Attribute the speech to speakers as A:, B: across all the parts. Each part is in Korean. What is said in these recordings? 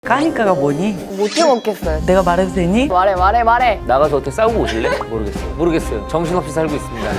A: 까니까가 뭐니?
B: 못해 먹겠어요.
A: 내가 말해도 되니?
B: 말해.
C: 나가서 어떻게 싸우고 오실래? 모르겠어요. 정신없이 살고 있습니다.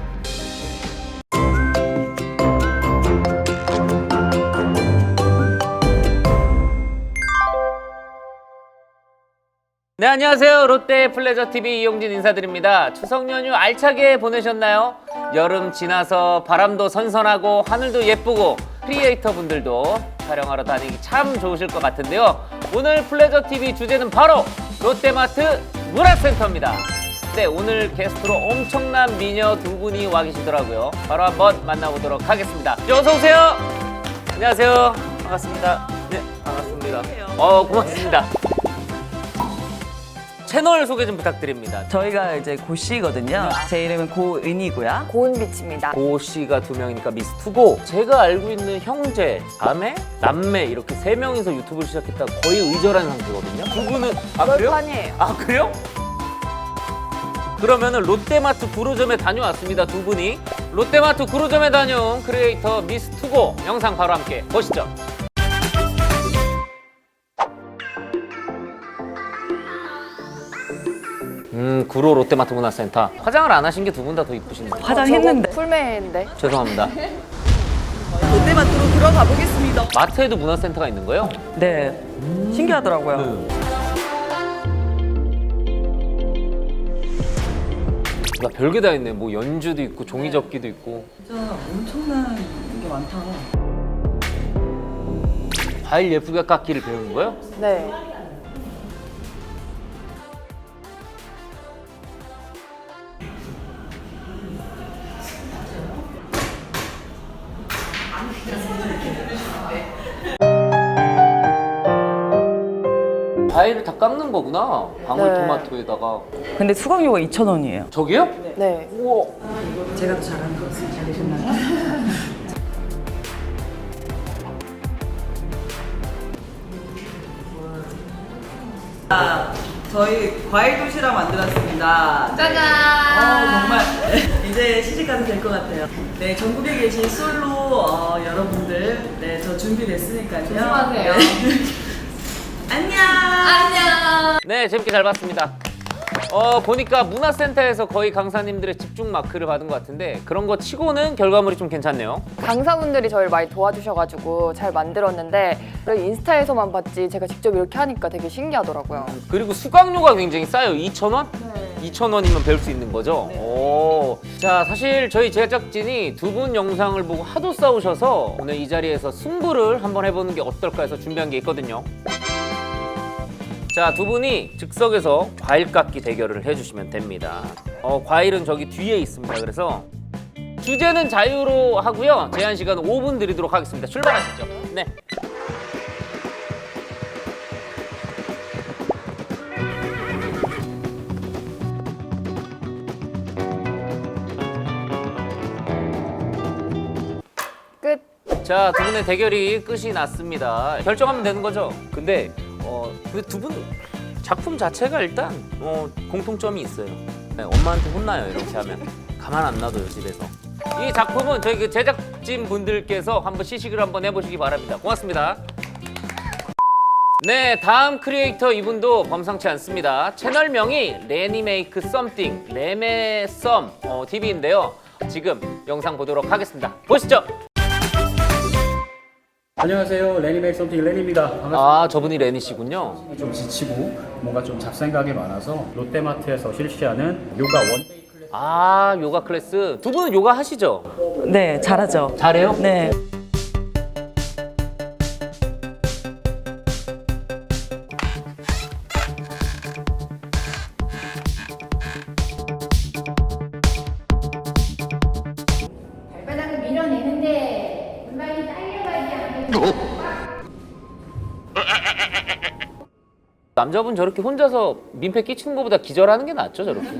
C: 네, 안녕하세요. 롯데 플레저TV 이용진 인사드립니다. 추석 연휴 알차게 보내셨나요? 여름 지나서 바람도 선선하고 하늘도 예쁘고 크리에이터 분들도 촬영하러 다니기 참 좋으실 것 같은데요. 오늘 플레저TV 주제는 바로 롯데마트 문화센터입니다. 네, 오늘 게스트로 엄청난 미녀 두 분이 와 계시더라고요. 바로 한번 만나보도록 하겠습니다. 어서 오세요. 안녕하세요. 반갑습니다. 네, 반갑습니다. 고맙습니다. 채널 소개 좀 부탁드립니다.
A: 저희가 이제 고씨거든요. 제 이름은 고은이고요.
B: 고은빛입니다.
C: 고 씨가 두 명이니까 미스 투고. 제가 알고 있는 형제, 자매, 남매 이렇게 세 명이서 유튜브를 시작했다 거의 의절한 상태거든요. 두 분은 그래요?
B: 널판이에요.
C: 그래요? 그러면은 롯데마트 구로점에 다녀왔습니다. 두 분이 롯데마트 구로점에 다녀온 크리에이터 미스 투고 영상 바로 함께 보시죠. 구로 롯데마트 문화센터. 화장을 안 하신 게 두 분 다 더 이쁘신데.
A: 화장했는데.
B: 풀메인데.
C: 죄송합니다.
A: 롯데마트로 들어가 보겠습니다.
C: 마트에도 문화센터가 있는 거예요?
A: 네. 신기하더라고요.
C: 나 별게 다 있네. 뭐 연주도 있고 종이접기도 있고.
A: 진짜 엄청난 게 많다.
C: 과일 예쁘게 깎기를 배우는 거예요?
B: 네.
C: 과일을 다 깎는 거구나. 방울토마토에다가.
A: 근데 수강료가 2,000원이에요.
C: 저기요?
B: 네.
C: 우와.
A: 제가 더 잘하는 것 같습니다. 잘 되셨나요? 저희 과일 도시락 만들었습니다. 짜잔! 정말 이제 시집가도 될 것 같아요. 네, 전국에 계신 솔로 여러분들, 네, 저 준비됐으니까요.
B: 조심하세요.
A: 안녕!
C: 네, 재밌게 잘 봤습니다. 보니까 문화센터에서 거의 강사님들의 집중 마크를 받은 것 같은데 그런 거 치고는 결과물이 좀 괜찮네요.
B: 강사분들이 저를 많이 도와주셔가지고 잘 만들었는데 인스타에서만 봤지 제가 직접 이렇게 하니까 되게 신기하더라고요.
C: 그리고 수강료가 굉장히 싸요. 2,000원?
B: 네.
C: 2,000원이면 배울 수 있는 거죠?
A: 네.
C: 오. 자, 사실 저희 제작진이 두 분 영상을 보고 하도 싸우셔서 오늘 이 자리에서 승부를 한번 해보는 게 어떨까 해서 준비한 게 있거든요. 자, 두 분이 즉석에서 과일 깎기 대결을 해주시면 됩니다. 과일은 저기 뒤에 있습니다. 그래서 주제는 자유로 하고요. 제한 시간은 5분 드리도록 하겠습니다. 출발하시죠. 네.
B: 끝.
C: 자, 두 분의 대결이 끝이 났습니다. 결정하면 되는 거죠? 근데 그 두 분 작품 자체가 일단 공통점이 있어요. 네, 엄마한테 혼나요. 이렇게 하면 가만 안 놔둬요, 집에서. 이 작품은 저희 그 제작진 분들께서 한번 시식을 한번 해보시기 바랍니다. 고맙습니다. 네, 다음 크리에이터 이분도 범상치 않습니다. 채널명이 레니메이크 썸띵, 레메썸 TV인데요. 지금 영상 보도록 하겠습니다. 보시죠.
D: 안녕하세요. 레니메이크 썸띵 레니입니다. 반갑습니다.
C: 저분이 레니씨군요.
D: 좀 지치고 뭔가 좀 잡생각이 많아서 롯데마트에서 실시하는 요가 원데이 클래스.
C: 요가 클래스. 두 분은 요가 하시죠?
A: 네, 잘하죠.
C: 잘해요?
A: 네.
E: 발바닥을 밀어내는데 골반이 딸려가지 않게
C: 남자분 저렇게 혼자서 민폐 끼치는 것보다 기절하는 게 낫죠, 저렇게.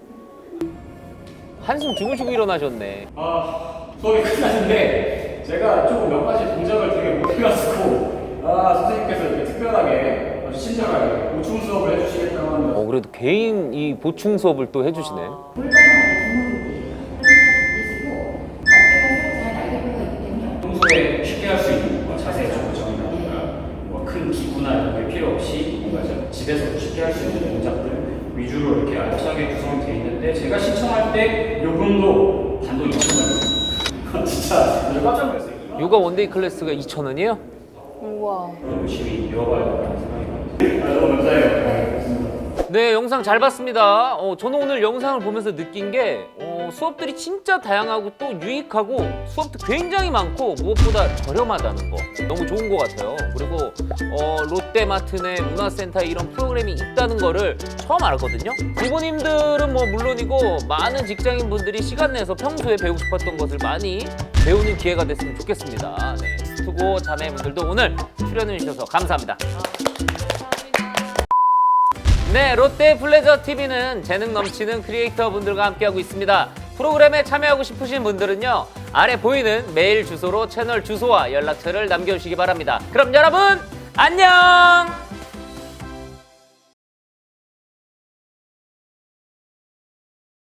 C: 한숨 주무시고 일어나셨네.
D: 수업이 끝났는데 제가 조금 몇 가지 동작을 되게 못해가지고 선생님께서 이렇게 특별하게 아주 친절하게 보충 수업을 해주시겠다고 합니다.
C: 그래도 개인 이 보충 수업을 또 해주시네.
E: 골반 안에 주먹을 살짝 벌리시고 어깨가 잘 날개뼈가 있기 때문에
D: 평소에 쉽게 할 수 있는 자세 좀 정의나 큰 기구나 이런 게 필요 없이 뭔가 좀 집에서 쉽게 할 수 있는 동작들 위주로 이렇게 알차게 구성이 되어 있는데 제가 신청할 때 요금도 단돈 2,000원이에요. 진짜 저 깜짝 놀랐어요.
C: 요가 원데이 클래스가 2,000원이에요?
B: 우와.
D: 열심히 이어가야 된다는 생각이 듭니다. 너무 감사해요.
C: 네, 영상 잘 봤습니다. 저는 오늘 영상을 보면서 느낀 게 수업들이 진짜 다양하고 또 유익하고 수업도 굉장히 많고 무엇보다 저렴하다는 거 너무 좋은 것 같아요. 그리고 롯데마트 내 문화센터에 이런 프로그램이 있다는 거를 처음 알았거든요. 부모님들은 뭐 물론이고 많은 직장인분들이 시간 내서 평소에 배우고 싶었던 것을 많이 배우는 기회가 됐으면 좋겠습니다. 네, 스투고 자매분들도 오늘 출연해 주셔서 감사합니다. 네, 롯데 플레저 TV는 재능 넘치는 크리에이터 분들과 함께하고 있습니다. 프로그램에 참여하고 싶으신 분들은요, 아래 보이는 메일 주소로 채널 주소와 연락처를 남겨주시기 바랍니다. 그럼 여러분, 안녕!